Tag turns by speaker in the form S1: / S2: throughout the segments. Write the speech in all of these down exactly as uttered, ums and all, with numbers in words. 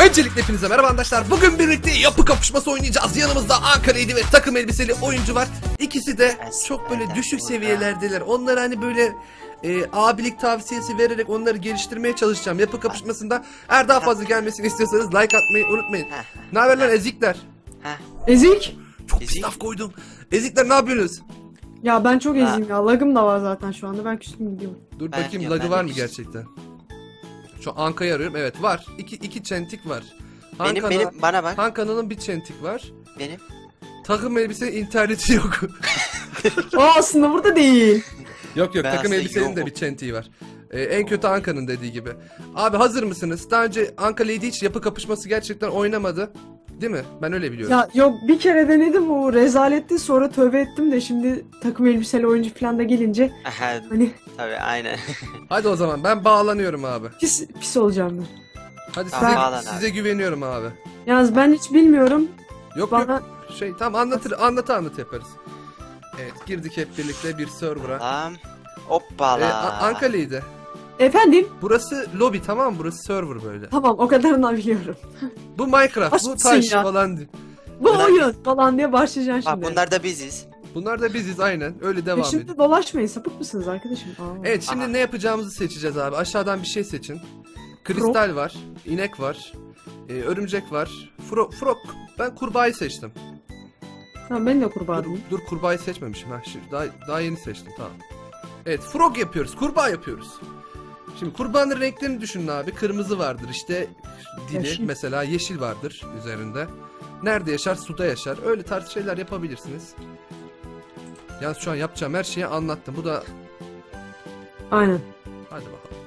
S1: Öncelikle hepinize merhaba arkadaşlar. Bugün birlikte yapı kapışması oynayacağız. Yanımızda Ankara'ydı ve takım elbiseli oyuncu var. İkisi de çok böyle düşük seviyelerdeler. Onları hani böyle e, abilik tavsiyesi vererek onları geliştirmeye çalışacağım. Yapı kapışmasında eğer daha fazla gelmesini istiyorsanız like atmayı unutmayın. Ne haber lan ezikler?
S2: Ezik.
S1: Çok pis laf koydum. Ezikler ne yapıyorsunuz?
S2: Ya ben çok eziyim ya. Lagım da var zaten şu anda. Ben küstüm gidiyorum.
S1: Dur
S3: Ben
S1: bakayım
S3: diyorum,
S1: lagı
S3: ben
S1: var
S3: de
S1: mı
S3: küstüm.
S1: gerçekten? Şu Anka'yı arıyorum. Evet var. İki, iki çentik var.
S3: Benim
S1: Hanka'nın-
S3: benim bana bak.
S1: Hanka'nın bir çentik var.
S3: Benim.
S1: Takım elbise interneti yok.
S2: Aa aslında burada değil.
S1: Yok yok
S3: Ben
S1: takım
S3: aslında
S1: elbisenin de
S3: yokum.
S1: bir çentiği var. Ee, en kötü Anka'nın dediği gibi. Abi hazır mısınız? Daha önce Anka Lady hiç yapı kapışması gerçekten oynamadı. Değil mi? Ben öyle biliyorum.
S2: Ya yok bir kere denedim o rezaletti, sonra tövbe ettim de şimdi takım elbiseli oyuncu falan da gelince
S3: Aha,
S2: hani
S3: tabii aynen.
S1: Hadi o zaman ben bağlanıyorum abi.
S2: pis pis olacağım ben.
S1: Hadi
S3: Tamam,
S1: size,
S3: bağlan abi.
S1: size güveniyorum abi.
S2: Yalnız ben hiç bilmiyorum.
S1: Yok
S2: Bana
S1: yok şey tamam anlatır anlatı anlat yaparız. Evet girdik hep birlikte bir server'a.
S3: Tamam.
S1: Ee,
S3: Hoppala.
S1: A- Anka Lady.
S2: efendim
S1: Burası lobby tamam mı? Burası server böyle.
S2: tamam o kadarını biliyorum.
S1: Bu Minecraft, bu
S2: Aşksın
S1: taş
S2: ya.
S1: falan değil.
S2: Bu
S3: Önemli.
S2: oyun falan diye başlayacaksın
S3: Bak
S2: şimdi.
S3: bunlar da biziz.
S1: Bunlar da biziz aynen. Öyle devam ediyor.
S2: Peşimde dolaşmayın, sapık mısınız arkadaşım? Aa.
S1: Evet şimdi
S3: Aha.
S1: ne yapacağımızı seçeceğiz abi. Aşağıdan bir şey seçin. Kristal var, inek var, e, örümcek var. Fro frog. Ben kurbağayı seçtim.
S2: Tamam ben de
S1: Dur,
S2: kurbağayım.
S1: dur kurbağayı seçmemişim. Ha, şimdi daha, daha yeni seçtim tamam. Evet frog yapıyoruz, kurbağa yapıyoruz. Şimdi kurbağanın renklerini düşünün abi. Kırmızı vardır işte dili
S2: Yeşil.
S1: mesela yeşil vardır üzerinde. Nerede yaşar? Suda yaşar. Öyle tarz şeyler yapabilirsiniz. Yalnız şu an yapacağım her şeyi anlattım. Bu da
S2: Aynen.
S1: hadi bakalım.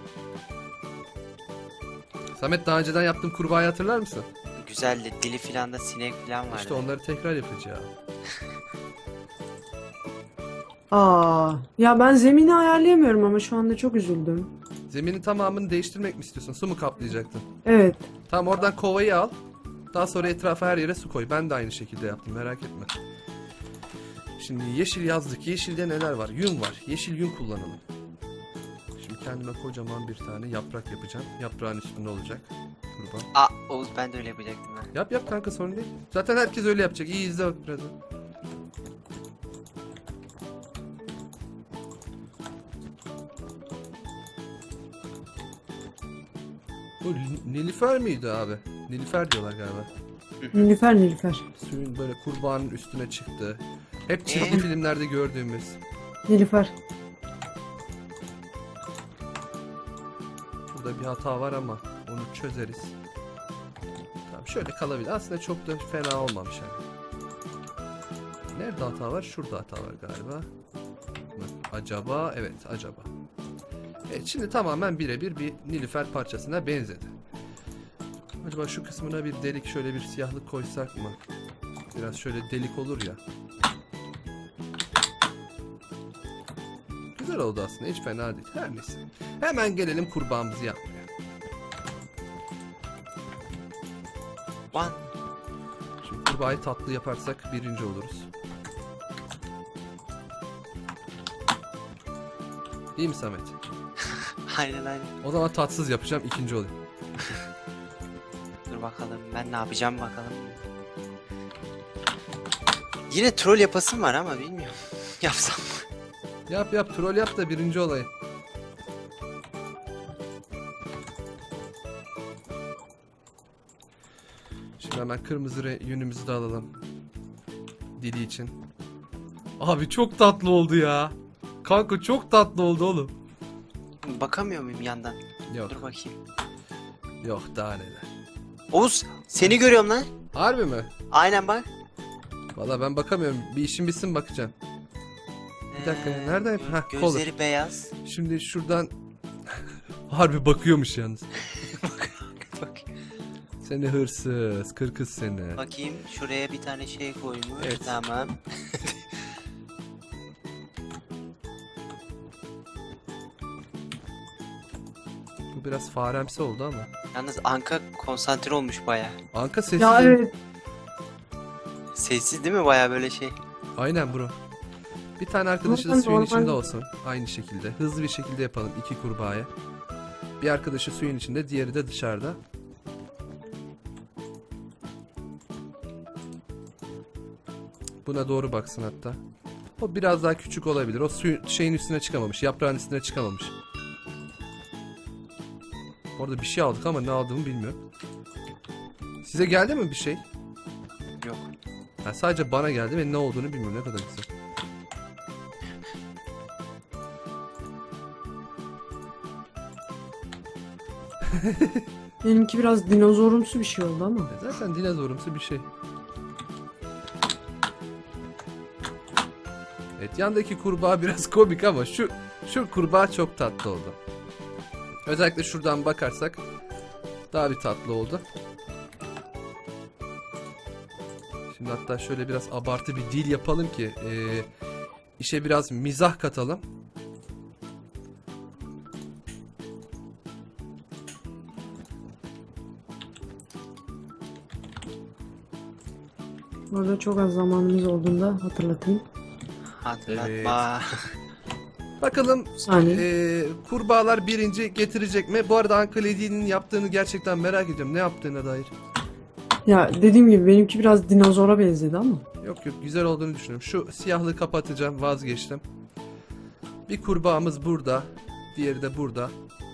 S1: Samet daha önceden yaptığım kurbağayı hatırlar mısın?
S3: Güzeldi. Dili filan da sinek filan vardı.
S1: İşte onları tekrar yapacağım.
S2: Aa ya ben zemini ayarlayamıyorum ama şu anda çok üzüldüm.
S1: Zeminin tamamını değiştirmek mi istiyorsun? Su mu kaplayacaktın?
S2: Evet.
S1: Tamam oradan kovayı al. Daha sonra etrafa her yere su koy. Ben de aynı şekilde yaptım merak etme. Şimdi yeşil yazdık. Yeşilde neler var? Yün var. Yeşil yün kullanalım. Şimdi kendime kocaman bir tane yaprak yapacağım. Yaprağın üstünde olacak. Kurban.
S3: Aa Oğuz ben de öyle yapacaktım ben.
S1: Yap yap kanka sorun değil. Zaten herkes öyle yapacak. İyi izle bak biraz. Bu Nilüfer miydi abi? Nilüfer diyorlar galiba.
S2: Nilüfer Nilüfer.
S1: Suyun böyle kurbanın üstüne çıktı. Hep çizgi
S3: Ee?
S1: filmlerde gördüğümüz.
S2: Nilüfer.
S1: Burada bir hata var ama onu çözeriz. Tamam şöyle kalabilir. Aslında çok da fena olmamış yani. Nerede hata var? Şurada hata var galiba. Mı? Acaba? Evet acaba. Evet şimdi tamamen birebir bir Nilüfer parçasına benzedi. Acaba şu kısmına bir delik şöyle bir siyahlık koysak mı? Biraz şöyle delik olur ya. Güzel oldu aslında hiç fena değil. Her neyse. Hemen gelelim kurbağamızı yapmaya.
S3: One.
S1: Şimdi kurbağayı tatlı yaparsak birinci oluruz. İyi mi Samet?
S3: Aynen aynen.
S1: O zaman tatsız yapacağım ikinci olayım.
S3: Dur bakalım ben ne yapacağım bakalım. Yine troll yapasım var ama bilmiyorum. Yapsam mı?
S1: Yap yap troll yap da birinci olayım. Şimdi hemen kırmızı re- yünümüzü de alalım. Dili için. Abi çok tatlı oldu ya. Kanka çok tatlı oldu oğlum.
S3: Bakamıyor muyum yandan?
S1: Yok
S3: Dur bakayım.
S1: yok daha neler.
S3: Oğuz seni görüyorum lan.
S1: Harbi mi?
S3: Aynen bak.
S1: Valla ben bakamıyorum. Bir işim bitsin bakacağım. Bir dakika,
S3: Ee,
S1: nereden-
S3: gö-
S1: Heh,
S3: Gözleri beyaz.
S1: Şimdi şuradan harbi bakıyormuş yalnız.
S3: Bak.
S1: Seni hırsız, kırkız seni.
S3: Bakayım şuraya bir tane şey koymuş.
S1: Evet.
S3: Tamam.
S1: Bu biraz faremsi oldu ama.
S3: Yalnız Anka konsantre olmuş baya.
S1: Anka sessiz.
S2: Ya
S1: değil mi?
S2: evet.
S3: Sessiz değil mi baya böyle şey?
S1: Aynen bro. Bir tane arkadaşı da
S2: Normal,
S1: suyun
S2: normal.
S1: içinde olsun. Aynı şekilde. Hızlı bir şekilde yapalım iki kurbağaya. Bir arkadaşı suyun içinde, diğeri de dışarıda. Buna doğru baksın hatta. O biraz daha küçük olabilir. O suyun şeyin üstüne çıkamamış. Yaprağın üstüne çıkamamış. Orada bir şey aldık ama ne aldığımı bilmiyorum. Size geldi mi bir şey?
S3: Yok.
S1: Ha, sadece bana geldi ve ne olduğunu bilmiyorum. Ne kadar güzel.
S2: Benimki biraz dinozorumsu bir şey oldu ama.
S1: E zaten dinozorumsu bir şey. Evet, yandaki kurbağa biraz komik ama şu şu kurbağa çok tatlı oldu. Özellikle şuradan bakarsak daha bir tatlı oldu. Şimdi hatta şöyle biraz abartı bir dil yapalım ki e, işe biraz mizah katalım.
S2: Burada çok az zamanımız olduğunda hatırlatayım.
S3: Hatırlatma.
S1: Bakalım
S2: Bir saniye.
S1: e, kurbağalar birinci getirecek mi? Bu arada Uncle Eddie'nin yaptığını gerçekten merak ediyorum. Ne yaptığına dair.
S2: Ya dediğim gibi benimki biraz dinozora benzedi ama.
S1: Yok yok, güzel olduğunu düşünüyorum. Şu siyahlığı kapatacağım, vazgeçtim. Bir kurbağamız burada. Diğeri de burada.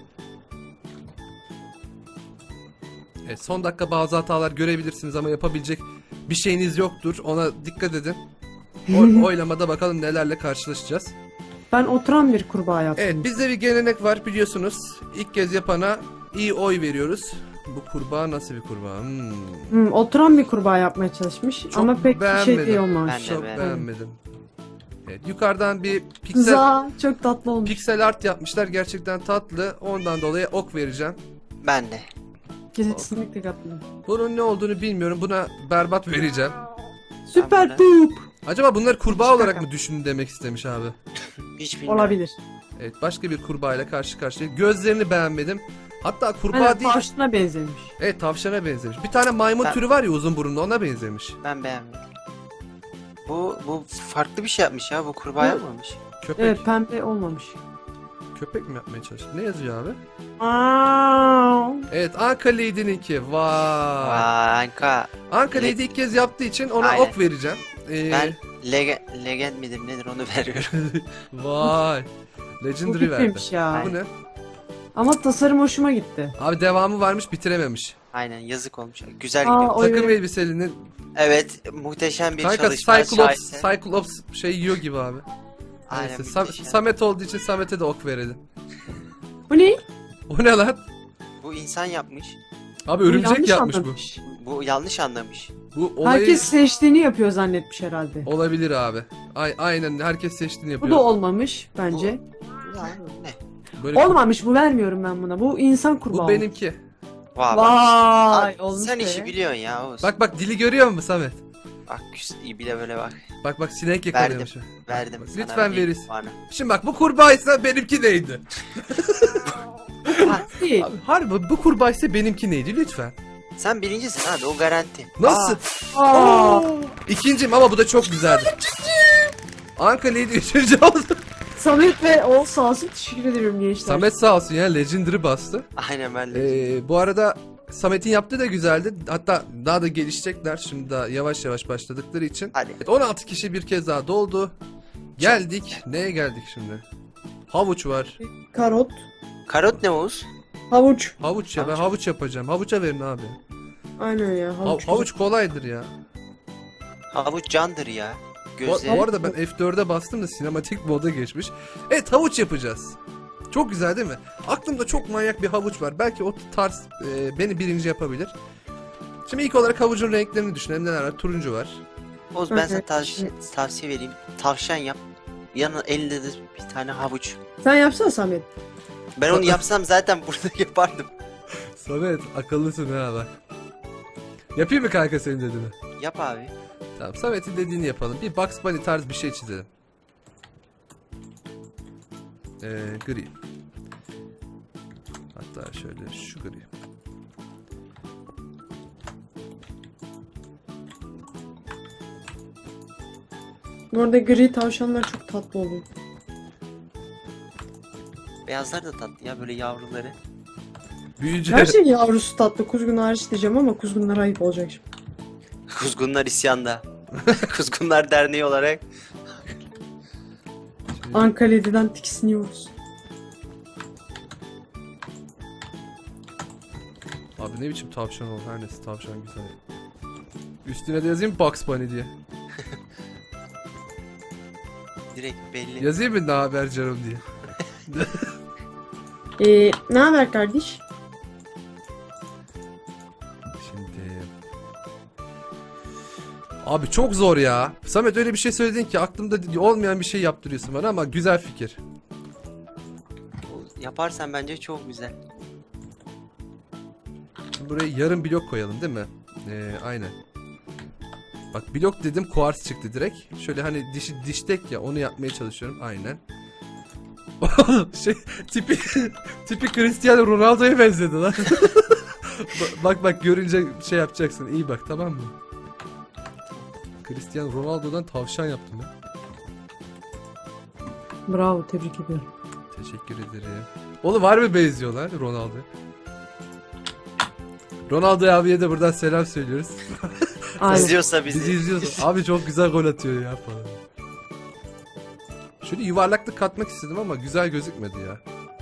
S1: Evet, son dakika bazı hatalar görebilirsiniz ama yapabilecek bir şeyiniz yoktur. Ona dikkat edin. Oy- oylamada bakalım nelerle karşılaşacağız.
S2: Ben oturan bir kurbağa yaptım.
S1: Evet, bizde bir gelenek var biliyorsunuz. İlk kez yapana iyi oy veriyoruz. Bu kurbağa nasıl bir kurbağa? Hmm.
S2: Hmm, oturan bir kurbağa yapmaya çalışmış
S1: Çok
S2: ama pek bir şey
S1: beğenmedim.
S2: değil olmamış.
S3: Ben de
S1: Çok
S3: beğenmedim.
S1: beğenmedim. Evet, yukarıdan bir piksel
S2: Za çok tatlı olmuş.
S1: piksel art yapmışlar. Gerçekten tatlı. Ondan dolayı ok vereceğim.
S3: Ben de.
S2: Kesinlikle katılıyorum.
S1: Bunun ne olduğunu bilmiyorum. Buna berbat vereceğim.
S2: Süper
S3: Ben
S2: poop.
S1: Acaba bunları kurbağa
S2: Şaka.
S1: olarak mı düşündü demek istemiş abi?
S3: Hiç bilmiyorum.
S2: Olabilir.
S1: Evet, başka bir kurbağa ile karşı karşıya. Gözlerini beğenmedim. Hatta kurbağa
S2: Aynen,
S1: değil.
S2: tavşana benzemiş.
S1: Evet, tavşana benzemiş. Bir tane maymun
S3: Ben-
S1: türü var ya, uzun burunlu, ona benzemiş.
S3: Ben beğenmedim. Bu bu farklı bir şey yapmış ya. Bu kurbağa
S2: Bu-
S3: yapmamış.
S1: Köpek.
S2: Evet, pembe olmamış.
S1: Köpek mi yapmaya çalıştı? Ne yazıyor abi?
S2: Aa,
S1: Evet, Anka Lady'ninki. Vay.
S3: Vay Anka.
S1: Anka
S3: Le-
S1: Lady ilk kez yaptığı için ona
S3: Aynen.
S1: ok vereceğim. Ee,
S3: Ben lege legend midir nedir onu veriyorum.
S1: Vay.
S2: bu
S1: Legendary verdi.
S2: bitmemiş ya.
S1: Bu ne?
S2: Ama tasarım hoşuma gitti.
S1: Abi devamı varmış, bitirememiş.
S3: Aynen, yazık olmuş. Güzel
S2: Aa,
S3: gidiyor.
S2: Oy
S1: Takım
S2: verin.
S1: elbiselinin
S3: Evet, muhteşem bir
S1: kanka
S3: çalışma.
S1: Cyclops,
S3: şahese.
S1: Cyclops şey yiyor gibi abi.
S3: Aynen,
S1: Neyse, Sam-
S3: muhteşem.
S1: Samet olduğu için Samet'e de ok verelim.
S2: Bu ne?
S1: O ne lan?
S3: Bu insan yapmış.
S1: Abi
S2: Bu
S1: örümcek
S2: yanlış
S1: yapmış
S2: anlamış.
S3: Bu yanlış anlamış.
S1: bu. Bu olayı
S2: Herkes seçtiğini yapıyor zannetmiş herhalde.
S1: olabilir abi. Ay aynen, herkes seçtiğini
S2: Bu
S1: yapıyor.
S2: da olmamış bence.
S3: Ya, ne?
S1: Böyle
S2: Olmamış, bu vermiyorum ben buna. Bu insan kurbağa.
S1: bu benimki.
S3: Vay, bak.
S2: Vay,
S3: Abi,
S2: olmuş
S3: sen
S2: be.
S3: işi biliyorsun ya Oğuz.
S1: Bak bak, dili görüyor musun Samet?
S3: Bak iyi bir de böyle bak.
S1: Bak bak, sinek yakalıyormuş.
S3: Verdim
S1: Bak,
S3: sana.
S1: lütfen
S3: bir
S1: verirsin.
S3: puanı.
S1: Şimdi bak, bu kurbağaysa benimki neydi?
S2: Değil.
S1: Abi, harbi bu kurbağaysa benimki neydi lütfen?
S3: Sen birincisin abi, o garanti.
S1: Nasıl?
S2: Aa,
S1: Oo! İkinciyim ama bu da çok güzeldi. Anka Lady üçüncü oldu.
S2: Samet ve Oğuz sağ olsun, teşekkür ederim gençler.
S1: Samet sağ olsun ya, Legendary bastı.
S3: Aa, aynen ben de.
S1: Ee, bu arada Samet'in yaptığı da güzeldi. Hatta daha da gelişecekler. Şimdi daha yavaş yavaş başladıkları için.
S3: Hadi.
S1: Evet, on altı kişi bir kez daha doldu. Geldik. Neye geldik şimdi? Havuç var.
S2: Karot,
S3: Karot ne Oğuz?
S2: havuç.
S1: Havuç ya, ben
S3: Havuç.
S1: havuç yapacağım. Havuça verin abi.
S2: Aynen ya,
S1: Ha-
S2: havuç.
S1: havuç kolaydır ya.
S3: Havuç candır ya.
S1: Bu,
S3: Gözleri.
S1: bu arada ben F dörde bastım da sinematik moda geçmiş. Evet, havuç yapacağız. Çok güzel değil mi? Aklımda çok manyak bir havuç var. Belki o tarz e, beni birinci yapabilir. Şimdi ilk olarak havucun renklerini düşünelim. Neler var? Turuncu var.
S3: Oğuz, ben sana
S2: Evet.
S3: tavsiye, tavsiye vereyim. Tavşan yap. Yanına elinde de bir tane havuç.
S2: Sen yapsana Samet.
S3: Ben onu yapsam zaten burada yapardım.
S1: Samet akıllısın ha bak. Yapayım mı kanka senin dediğini?
S3: Yap abi.
S1: Tamam, Samet'in dediğini yapalım. Bir Bugs Bunny tarz bir şey çizelim. Ee, gri. Hatta şöyle şu gri.
S2: Bu arada gri tavşanlar çok tatlı oluyor.
S3: Beyazlar da tatlı ya, böyle yavruları.
S1: Büyüyünce
S2: Her şey yavrusu tatlı. Kuzgun hariç diyeceğim ama kuzgunlar ayıp olacak şimdi.
S3: Kuzgunlar isyanda. Kuzgunlar Derneği olarak.
S1: Şimdi-
S2: Ankara'dan tiksiniyoruz.
S1: Abi ne biçim tavşan oldu, her neyse tavşan güzel. Üstüne de yazayım Bugs Bunny diye.
S3: Direkt belli.
S1: Yazayım mı ne haber canım diye.
S2: Ee, ne haber kardeş?
S1: Şimdi... Abi çok zor ya. Samet öyle bir şey söyledin ki aklımda olmayan bir şey yaptırıyorsun bana ama güzel fikir.
S3: Yaparsan bence çok güzel.
S1: Şimdi buraya yarım blok koyalım değil mi? Ee, aynen. Bak blok dedim kuars çıktı direkt. Şöyle hani dişi diştek ya onu yapmaya çalışıyorum aynen. şey tipi tipi Cristiano Ronaldo'ya benzedi lan. Ba- bak bak görünce şey yapacaksın. İyi bak tamam mı? Cristiano Ronaldo'dan tavşan yaptım ya.
S2: Bravo, tebrik ediyorum.
S1: Teşekkür ederim. Oğlum var mı benziyorlar Ronaldo? Ronaldo abiye de buradan selam söylüyoruz.
S2: Aynen.
S3: İzliyorsa bizi.
S1: Bizi izliyorsun. Abi çok güzel gol atıyor ya falan. Şöyle yuvarlaklık katmak istedim ama güzel gözükmedi ya.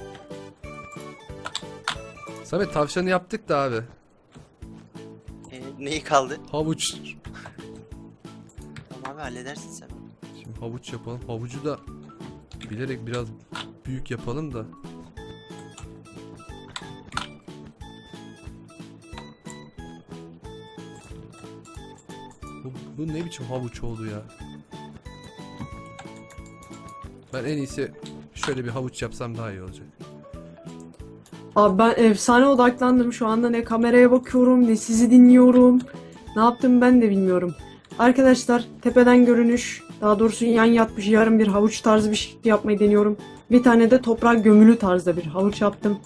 S1: Samet tavşanı yaptık da abi.
S3: Ee, neyi kaldı?
S1: Havuç.
S3: Tamam abi halledersin sen onu.
S1: Şimdi havuç yapalım. Havucu da bilerek biraz büyük yapalım da. Bu, bu ne biçim havuç oldu ya? Ben en iyisi şöyle bir havuç yapsam daha iyi olacak.
S2: Abi ben efsane odaklandım şu anda, ne kameraya bakıyorum ne sizi dinliyorum. Ne yaptım ben de bilmiyorum. Arkadaşlar tepeden görünüş, daha doğrusu yan yatmış yarım bir havuç tarzı bir şey yapmayı deniyorum. Bir tane de toprak gömülü tarzda bir havuç yaptım.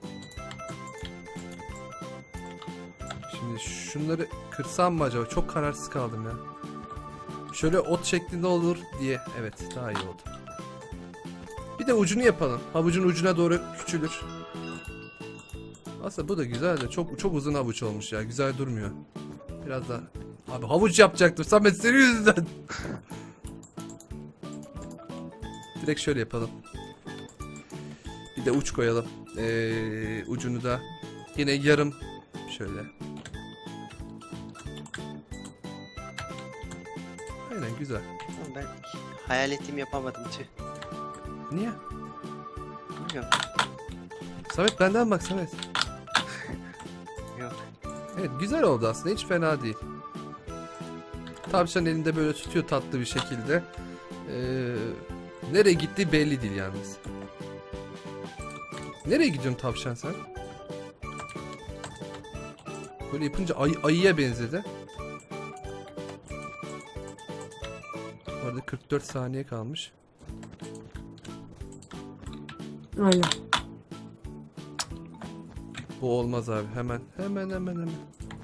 S1: Şimdi şunları kırsam mı acaba? Çok kararsız kaldım ya. Şöyle ot şeklinde olur diye. Evet daha iyi oldu. Bir de ucunu yapalım. Havucun ucuna doğru küçülür. Aslında bu da güzel de çok çok uzun havuç olmuş ya. Güzel durmuyor. Biraz daha. Abi havuç yapacaktım. Samet senin yüzünden. Direkt şöyle yapalım. Bir de uç koyalım. Ee, ucunu da yine yarım şöyle. Aynen güzel.
S3: Ama ben hayal ettiğimi yapamadım tüh.
S1: Niye?
S3: Bilmiyorum.
S1: Samet benden bak Samet.
S3: Yok.
S1: Evet güzel oldu aslında, hiç fena değil. Tavşan elinde böyle tutuyor tatlı bir şekilde. Ee, nereye gittiği belli değil yalnız. Nereye gidiyorsun tavşan sen? Böyle yapınca ay ayıya benzedi. Bu arada kırk dört saniye kalmış.
S2: Aynen.
S1: Bu olmaz abi, hemen hemen hemen hemen.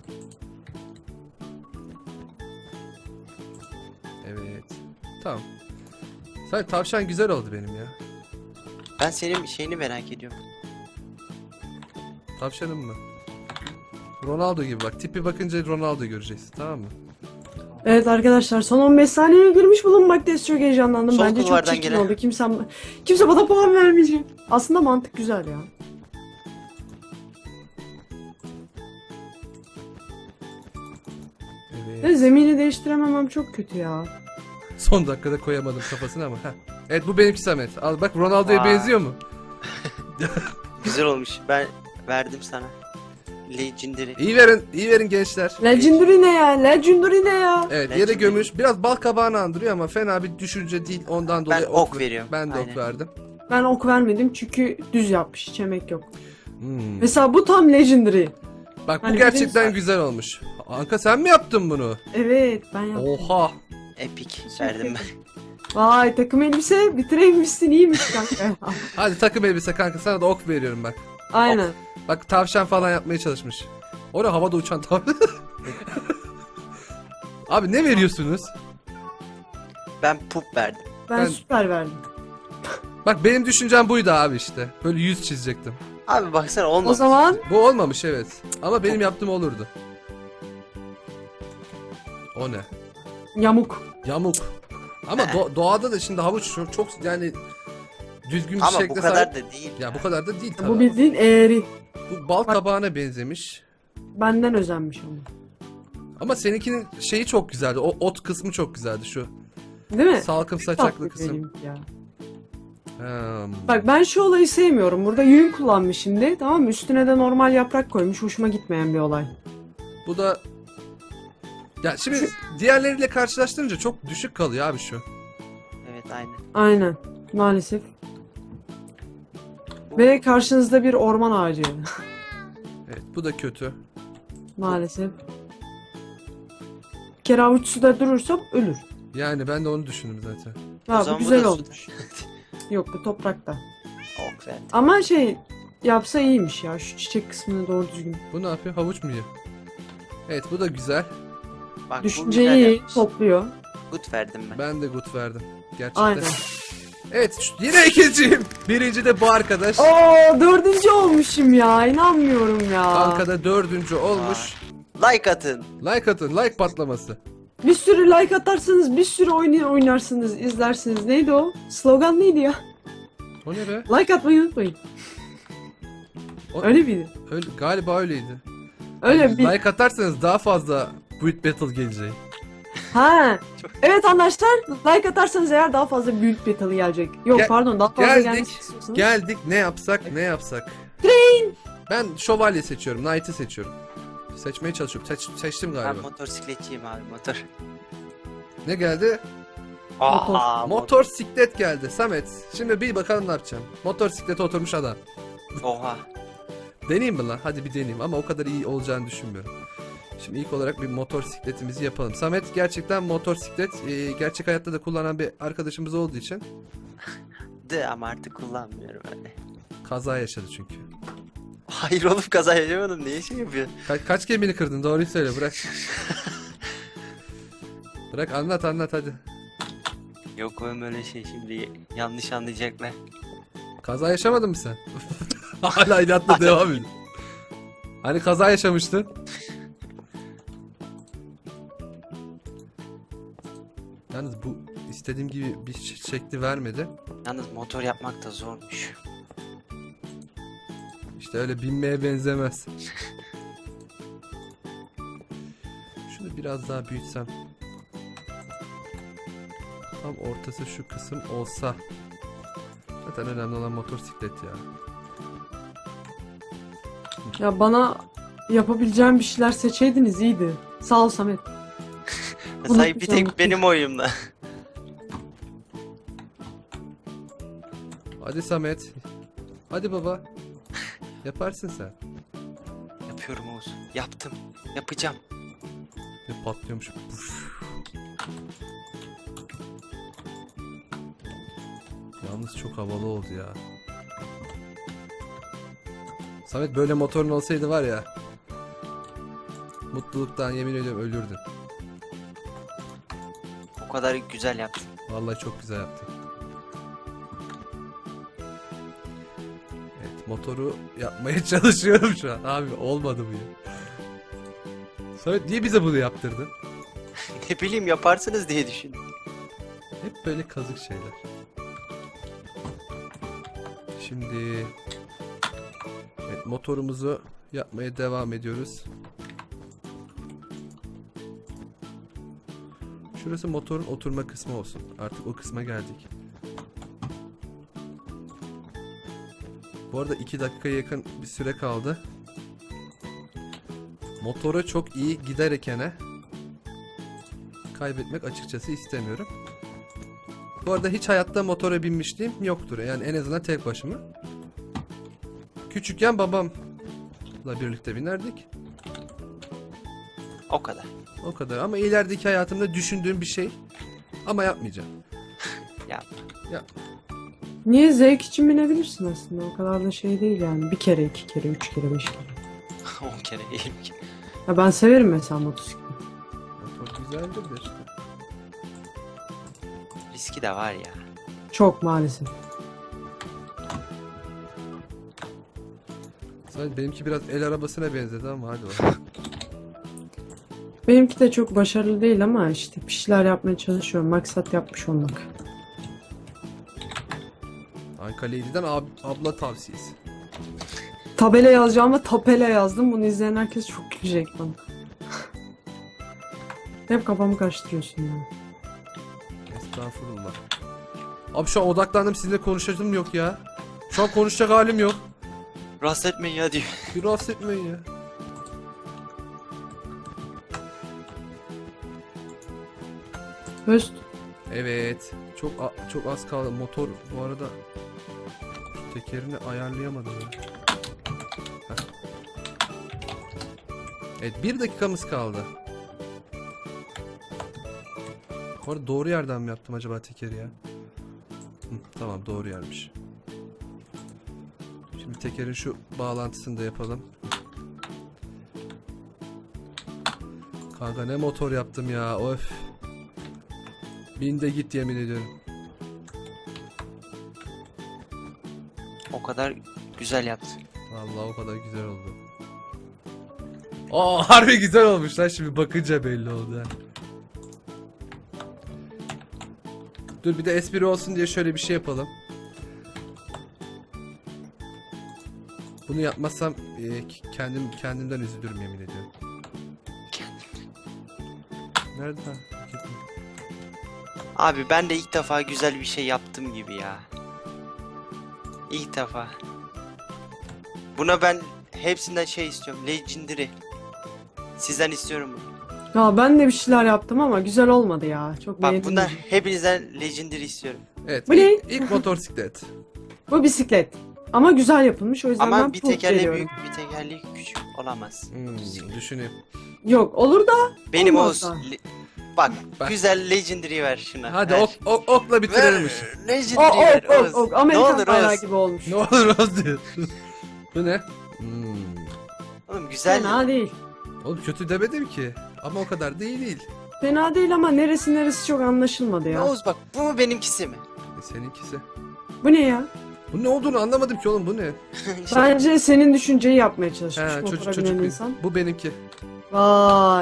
S1: Evet. Tamam. Sadece tavşan güzel oldu benim ya.
S3: Ben senin şeyini merak ediyorum.
S1: Tavşanım mı? Ronaldo gibi bak. Tipi bakınca Ronaldo göreceksin, tamam mı?
S2: Evet arkadaşlar, son on beş saniyeye girmiş bulunmaktayız. Çok heyecanlandım.
S3: Sol
S2: Bence çok
S3: kulvardan
S2: çirkin
S3: gelen.
S2: oldu. Kimse, kimse bana puan vermeyecek. Aslında mantık güzel ya.
S1: Evet.
S2: Ve zemini değiştirememem çok kötü ya.
S1: Son dakikada koyamadım kafasına ama. Heh. Evet bu benimki Samet. Al bak, Ronaldo'ya
S3: Vay.
S1: benziyor mu?
S3: Güzel olmuş. Ben verdim sana. Legendary.
S1: İyi verin, iyi verin gençler.
S2: Legendary ne ya? Legendary ne ya?
S1: Evet, yere
S3: Legendary.
S1: gömüş. Biraz bal kabağını andırıyor ama fena bir düşünce değil. Ondan dolayı
S3: Ben ok veriyorum.
S1: Ben de
S3: Aynen.
S1: ok verdim.
S2: Ben ok vermedim çünkü düz yapmış. Hiç emek yok.
S1: Hmm.
S2: Mesela bu tam Legendary.
S1: Bak bu
S2: Hani
S1: gerçekten
S2: bizim-
S1: güzel olmuş. Anka sen mi yaptın bunu?
S2: Evet ben yaptım.
S1: Oha.
S3: Epic verdim ben.
S2: Vay, takım elbise bitiremişsin, iyiymiş kanka.
S1: Hadi takım elbise kanka, sana da ok veriyorum bak.
S2: Aynen.
S1: Bak tavşan falan yapmaya çalışmış. Orada havada uçan tavşan. Abi ne veriyorsunuz?
S3: Ben pup verdim.
S2: Ben,
S1: Ben-
S2: süper verdim.
S1: Bak benim düşüncem buydu abi işte. Böyle yüz çizecektim.
S3: Abi baksana olmamış.
S2: O zaman
S1: Bu olmamış evet. Ama benim yaptığım olurdu. O ne?
S2: Yamuk.
S1: Yamuk. Ama do- doğada da şimdi havuç çok, çok yani düzgün bir
S3: Ama bu
S1: şekle
S3: kadar
S1: sahip.
S3: da değil.
S1: Ya bu kadar da değil tabii.
S2: Bu bildiğin eğri.
S1: Bu bal kabağına benzemiş.
S2: Benden özenmiş ama.
S1: Ama seninkinin şeyi çok güzeldi. O ot kısmı çok güzeldi şu.
S2: Değil mi?
S1: Salkım
S2: Tatlı
S1: saçaklı kısım.
S2: benimki ya.
S1: Hmm.
S2: Bak ben şu olayı sevmiyorum. Burada yün kullanmış şimdi. Tamam mı? Üstüne de normal yaprak koymuş. Hoşuma gitmeyen bir olay.
S1: Bu da ya şimdi diğerleriyle karşılaştırınca çok düşük kalıyor abi şu.
S3: Evet aynen.
S2: Aynen. Maalesef. Ve karşınızda bir orman ağacı.
S1: Evet bu da kötü.
S2: Maalesef. Bir kere avuç suda durursam ölür.
S1: Yani ben de onu düşündüm zaten.
S3: O
S2: Ha bu
S3: zaman bu
S2: güzel
S3: da
S2: olmuş. Yok bu toprakta.
S3: O güzel.
S2: Ama şey yapsa iyiymiş ya. Şu çiçek kısmını doğru düzgün.
S1: Bu ne yapıyor? Havuç mu yiyor? Evet bu da güzel.
S3: Bak, bu
S2: Düşünceyi
S3: güzel
S2: iyi
S3: yapmış.
S2: topluyor.
S3: Good verdim ben.
S1: Ben de good verdim. Gerçekten.
S2: Aynen.
S1: Evet şu- yine ikinciyim. Birinci de bu arkadaş.
S2: Oo dördüncü olmuşum ya. İnanmıyorum ya.
S1: Bankada dördüncü olmuş.
S3: Like atın.
S1: Like atın. Like patlaması.
S2: Bir sürü like atarsanız bir sürü oyun oynarsınız, izlersiniz. Neydi o? Slogan neydi ya?
S1: O ne be?
S2: Like atmayı unutmayın.
S1: O-
S2: Öyle miydi?
S1: Öyle, galiba öyleydi.
S2: Öyle bir...
S1: Like atarsanız daha fazla Build Battle gelecek.
S2: Ha. Evet arkadaşlar, like atarsanız eğer daha fazla Build Battle'ı gelecek. Yok
S1: Gel-
S2: pardon, daha fazla
S1: geldik.
S2: gelmesi istiyorsanız.
S1: Geldik ne yapsak ne yapsak. Ben şövalye seçiyorum. Knight'ı seçiyorum. Seçmeye çalışıyorum. Seç, seçtim
S3: Ben
S1: galiba.
S3: motosikletçiyim abi motor.
S1: Ne geldi?
S3: Aa,
S1: Motor siklet geldi. Samet. Şimdi bir bakalım ne yapacağım. Motor siklete oturmuş adam.
S3: Oha.
S1: Deneyeyim mi lan? Hadi bir deneyeyim ama o kadar iyi olacağını düşünmüyorum. Şimdi ilk olarak bir motor sikletimizi yapalım. Samet gerçekten motor siklet e, gerçek hayatta da kullanan bir arkadaşımız olduğu için
S3: De ama artık kullanmıyorum öyle.
S1: kaza yaşadı çünkü.
S3: Hayır oğlum kaza yaşamadım. Niye şey yapıyorsun?
S1: Ka- kaç gemini kırdın? Doğruyu söyle bırak. Bırak anlat anlat hadi.
S3: Yok oğlum öyle şey şimdi yanlış anlayacaklar.
S1: Kaza yaşamadın mı sen? Hala inatla devam ediyor. Hani kaza yaşamıştın? Yalnız bu istediğim gibi bir ş- şekli vermedi.
S3: Yalnız motor yapmak da zormuş.
S1: İşte öyle binmeye benzemez. Şunu biraz daha büyütsem. Tam ortası şu kısım olsa. Zaten önemli olan motosiklet ya.
S2: Ya bana yapabileceğim bir şeyler seçeydiniz iyiydi. Sağ ol Samet.
S3: Say bir
S2: Unutmayacağım.
S3: tek benim oyumda.
S1: Hadi Samet. Hadi baba. Yaparsın sen.
S3: Yapıyorum Oğuz. Yaptım. Yapacağım.
S1: Ne patlıyormuş. Puf. Yalnız çok havalı oldu ya. Samet böyle motorun olsaydı var ya. Mutluluktan yemin ediyorum ölürdün.
S3: O kadar güzel yaptım.
S1: Vallahi çok güzel yaptın. Evet motoru yapmaya çalışıyorum şu an. Abi olmadı bu ya. Samet niye bize bunu yaptırdın?
S3: Ne bileyim yaparsınız diye düşündüm.
S1: Hep böyle kazık şeyler. Şimdi evet, motorumuzu yapmaya devam ediyoruz. Şurası motorun oturma kısmı olsun. Artık o kısma geldik. Bu arada iki dakikaya yakın bir süre kaldı. Motora çok iyi giderekene kaybetmek açıkçası istemiyorum. Bu arada hiç hayatta motora binmişliğim yoktur. Yani en azından tek başıma. Küçükken babamla birlikte binerdik.
S3: O kadar.
S1: O kadar. Ama ilerideki hayatımda düşündüğüm bir şey. Ama yapmayacağım.
S3: Yapma.
S2: Niye zevk için binebilirsin aslında. O kadar da şey değil yani. Bir kere, iki kere, üç kere, beş kere.
S3: On kere yirmi kere.
S2: Ya ben severim mesela motosiklet.
S1: Motor güzeldir de işte.
S3: Riski de var ya.
S2: Çok maalesef.
S1: Sadece benimki biraz el arabasına benzedi ama hadi bakalım.
S2: Benimki de çok başarılı değil ama işte bir şeyler yapmaya çalışıyorum. Maksat yapmış olmak.
S1: Anka Lady'den ab abla tavsiyesi.
S2: Tabela yazacağıma tapela yazdım. Bunu izleyen herkes çok gülecek bana. Hep kafamı karıştırıyorsun ya.
S1: Estağfurullah. Abi şu an odaklandım, sizinle konuşacağım yok ya. Şu an konuşacak halim yok.
S3: Rahatsız etmeyin ya diyor.
S1: Bir rahatsız etmeyin ya.
S2: Höst.
S1: Evet. Çok a- çok az kaldı. Motor bu arada şu tekerini ayarlayamadım ya. Heh. Evet, bir dakikamız kaldı. Bu arada doğru yerden mi yaptım acaba tekeri ya? Hı, tamam, doğru yermiş. Şimdi tekerin şu bağlantısını da yapalım. Kanka ne motor yaptım ya, of. Bin de git, yemin ediyorum.
S3: O kadar güzel yaptın.
S1: Vallahi o kadar güzel oldu. Aa, harbi güzel olmuş lan, şimdi bakınca belli oldu ha. Dur, bir de espri olsun diye şöyle bir şey yapalım. Bunu yapmazsam e, kendim kendimden üzülürüm, yemin ediyorum. Nerede lan?
S3: Abi ben de ilk defa güzel bir şey yaptım gibi ya. İlk defa. Buna ben hepsinden şey istiyorum. Legendary. Sizden istiyorum bunu.
S2: Ya ben de bir şeyler yaptım ama güzel olmadı ya. Çok
S3: Bak
S2: beğendim.
S3: bundan hepinizden Legendary istiyorum.
S1: Evet,
S2: Bu ne?
S1: ilk, ilk motosiklet.
S2: Bu bisiklet. Ama güzel yapılmış, o yüzden
S3: Ama
S2: ben
S3: bir
S2: puh
S3: tekerleği
S2: veriyorum.
S3: büyük, bir tekerleği küçük olamaz.
S1: Hmm, düşüneyim.
S2: Yok, olur da
S3: Benim
S2: olmaz
S3: olsun.
S2: da.
S3: Le- Bak,
S1: Bak.
S3: güzel Legendary ver şuna.
S1: Hadi
S3: ver.
S1: ok, ok, okla bitirelim işi.
S3: Ver,
S2: O,
S3: Legendary ver.
S2: ok, ok,
S3: Oğuz.
S2: ok.
S3: Ne
S2: Amerikan
S3: olur
S2: bayrağı
S3: Oğuz.
S2: gibi olmuş.
S1: Ne olur az diyor. Bu ne? Hmm.
S3: Oğlum güzel.
S2: Fena değil.
S1: Oğlum kötü demedim ki. Ama o kadar değil değil.
S2: Fena değil ama neresi neresi çok anlaşılmadı ya.
S3: Oğuz bak, bu mu benimkisi mi?
S1: E, seninkisi.
S2: Bu ne ya?
S1: Bu ne olduğunu anlamadım ki oğlum, bu ne?
S2: Bence senin düşünceyi yapmaya çalışmış
S1: He,
S2: motora
S1: çocuk
S2: binen
S1: çocuk bir.
S2: insan.
S1: Bu benimki.
S2: Vay.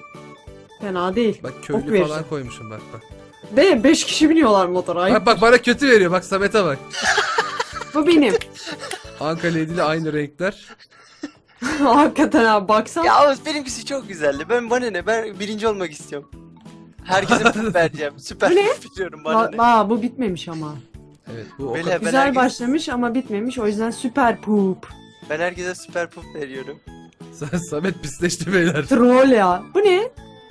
S2: Fena değil.
S1: Bak
S2: Ok
S1: köylü falan
S2: vereceğim.
S1: koymuşum, bak bak.
S2: Ve beş kişi biniyorlar motora. Ay,
S1: Bak bak, bana kötü veriyor, bak Samet'e bak.
S2: bu benim.
S1: Anka Lady ile aynı renkler.
S2: Hakikaten abi, baksana.
S3: Ya Oğuz, benimkisi çok güzeldi. Ben bana ne? Ben birinci olmak istiyorum. Herkese puf vereceğim. Süper
S2: Bu ne?
S3: puf biliyorum bana ne?
S2: Ba- Aa, bu bitmemiş ama.
S1: Evet, bu o
S3: Böyle-
S1: kadar.
S3: Ben
S2: Güzel
S3: herkes-
S2: başlamış ama bitmemiş, o yüzden süper poop.
S3: Ben herkese süper puf veriyorum.
S1: Samet pisleşti beyler.
S2: Troll ya. Bu ne?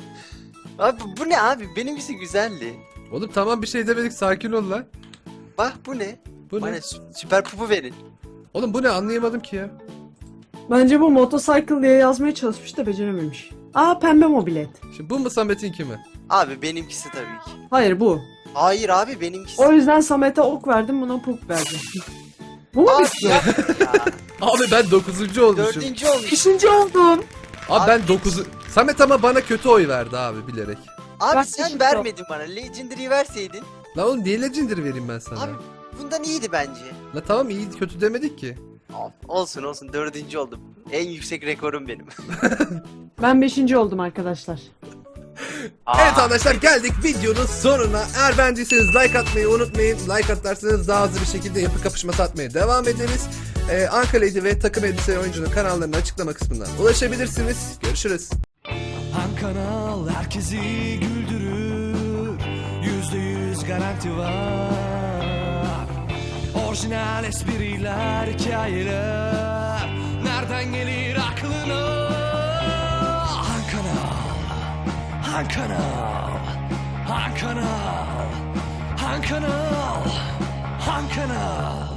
S3: Abi bu ne abi? Benimkisi güzeldi.
S1: Oğlum tamam, bir şey demedik, sakin ol lan.
S3: Bak bu ne?
S1: Bu
S3: Bana
S1: ne?
S3: sü- süper pufu verin.
S1: Oğlum bu ne, anlayamadım ki ya.
S2: Bence bu motorcycle diye yazmaya çalışmış da becerememiş. Aa, pembe mobilet.
S1: Şimdi bu mu Samet'inki mi?
S3: Abi benimkisi tabii ki.
S2: Hayır, bu.
S3: Hayır abi benimkisi.
S2: O yüzden Samet'e ok verdim, buna poop verdim. Bu mu
S3: Abi
S2: bitti?
S3: ya.
S1: Abi ben dokuzuncu olmuşum.
S3: Dördüncü olmuş.
S2: Beşinci oldum.
S1: Abi ben dokuz. Samet ama bana kötü oy verdi abi, bilerek.
S3: Abi
S2: Bak,
S3: sen
S2: beşinci
S3: vermedin bana. Legendary'i verseydin.
S1: Lan oğlum niye Legendary vereyim ben sana?
S3: Abi bundan iyiydi bence.
S1: La tamam, iyi kötü demedik ki.
S3: Olsun olsun, dördüncü oldum. En yüksek rekorum benim.
S2: Ben beşinci oldum arkadaşlar.
S1: Evet arkadaşlar, geldik videonun sonuna. Eğer beğendiyseniz like atmayı unutmayın. Like atarsanız daha hızlı bir şekilde yapı kapışması atmaya devam ederiz. Ee, Anka Lady ve takım elbise oyuncunun kanallarını açıklama kısmından ulaşabilirsiniz. Görüşürüz.
S4: Han kanal herkesi güldürür, yüzde yüz garanti var. Orijinal espriler, hikayeler, nereden gelir aklına? Han kanal, Han kanal, Han kanal, Han kanal, Han kanal.